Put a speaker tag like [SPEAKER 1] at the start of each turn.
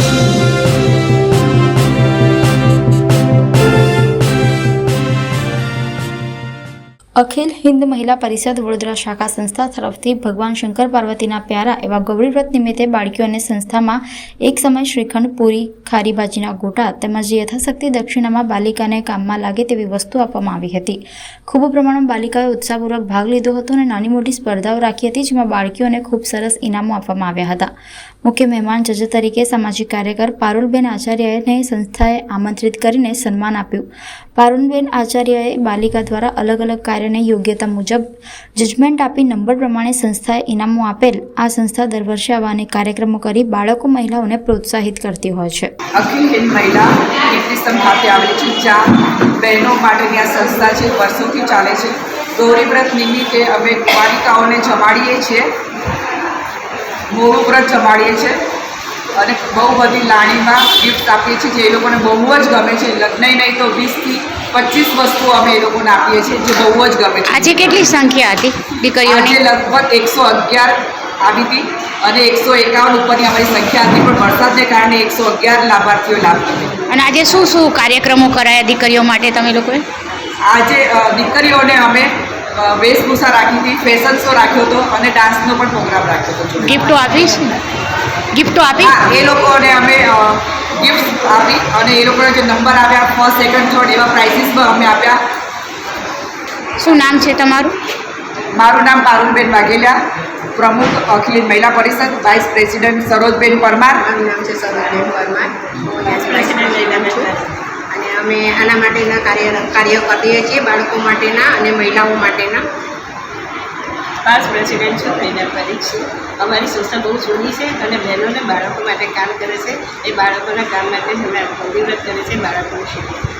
[SPEAKER 1] અખિલ હિન્દ મહિલા પરિષદ વડોદરા શાખા સંસ્થા તરફથી ભગવાન શંકર પાર્વતીના પ્યારા એવા ગૌરી વ્રત નિમિત્તે બાળકીઓને સંસ્થામાં એક સમય શ્રીખંડ, પૂરી, ખારી ભાજીના ગોટા તેમજ યથાશક્તિ દક્ષિણામાં બાલિકાને કામમાં લાગે તેવી વસ્તુ આપવામાં આવી હતી. ખૂબ પ્રમાણમાં બાલિકાઓએ ઉત્સાહપૂર્વક ભાગ લીધો હતો અને નાની મોટી સ્પર્ધાઓ રાખી હતી, જેમાં બાળકીઓને ખૂબ સરસ ઇનામો આપવામાં આવ્યા હતા. મુખ્ય મહેમાન જજ તરીકે સામાજિક કાર્યકર પારુલબેન આચાર્યને સંસ્થાએ આમંત્રિત કરીને સન્માન આપ્યું. પારુલબેન આચાર્યએ બાલિકા દ્વારા અલગ અલગ કાર્યને યોગ્યતા મુજબ જજમેન્ટ આપી નંબર પ્રમાણે સંસ્થાએ ઇનામો આપેલ. આ સંસ્થા દર વર્ષે આવા અનેક કાર્યક્રમો કરી બાળકો મહિલાઓને પ્રોત્સાહિત કરતી હોય છે.
[SPEAKER 2] અખિલ હિન્દ મહિલા કીર્તિસ્તંભ ખાતે આવેલી છે, જ્યાં બહેનો માટેની આ સંસ્થા છે, વર્ષોથી ચાલે છે. ગૌરી વ્રત નિમિત્તે અમે બાલિકાઓને જમાડીએ છીએ, મોડું વ્રત જમાડીએ છીએ અને બહુ બધી લાણીમાં ગિફ્ટ આપીએ છીએ, જે એ લોકોને બહુ જ ગમે છે. લગ્ન નહીં તો 20 થી 25 વસ્તુઓ અમે એ લોકોને આપીએ છીએ, જે બહુ જ ગમે છે.
[SPEAKER 3] આજે કેટલી સંખ્યા હતી દીકરીઓની?
[SPEAKER 2] આજે લગભગ 111 આવી હતી અને 151 ઉપરની અમારી સંખ્યા હતી, પણ વરસાદને કારણે 111 લાભાર્થીઓ લાભ લીધો.
[SPEAKER 3] અને આજે શું શું કાર્યક્રમો કરાયા દીકરીઓ માટે તમે લોકોએ?
[SPEAKER 2] આજે દીકરીઓને અમે વેશભૂષા રાખી હતી, ફેશન શો રાખ્યો હતો અને ડાન્સનો પણ પ્રોગ્રામ રાખ્યો હતો.
[SPEAKER 3] ગિફ્ટો આપી? ગિફ્ટો આપી?
[SPEAKER 2] એ લોકોને અમે ગિફ્ટ આપી અને એ લોકોને જે નંબર આવ્યા, ફર્સ્ટ, સેકન્ડ, થર્ડ એવા પ્રાઇઝીસ પણ અમે આપ્યા.
[SPEAKER 3] શું નામ છે તમારું?
[SPEAKER 2] મારું નામ પારુલબેન વાઘેલા, પ્રમુખ અખિલ મહિલા પરિષદ, વાઇસ પ્રેસિડેન્ટ સરોજબેન પરમાર.
[SPEAKER 4] મારું નામ છે સરોજબેન પરમાર, હું પ્રેસિડેન્ટ છું અને અમે આના માટેના કાર્ય કરીએ છીએ, બાળકો માટેના અને મહિલાઓ માટેના.
[SPEAKER 5] પાસ પ્રેસિડેન્ટ છું, મહિલા પરિષદ. અમારી સંસ્થા બહુ જૂની છે અને બહેનોને બાળકો માટે કામ કરે છે. એ બાળકોના કામ માટે જ અમે વ્રત કરે છે, બાળકોને શીખવે.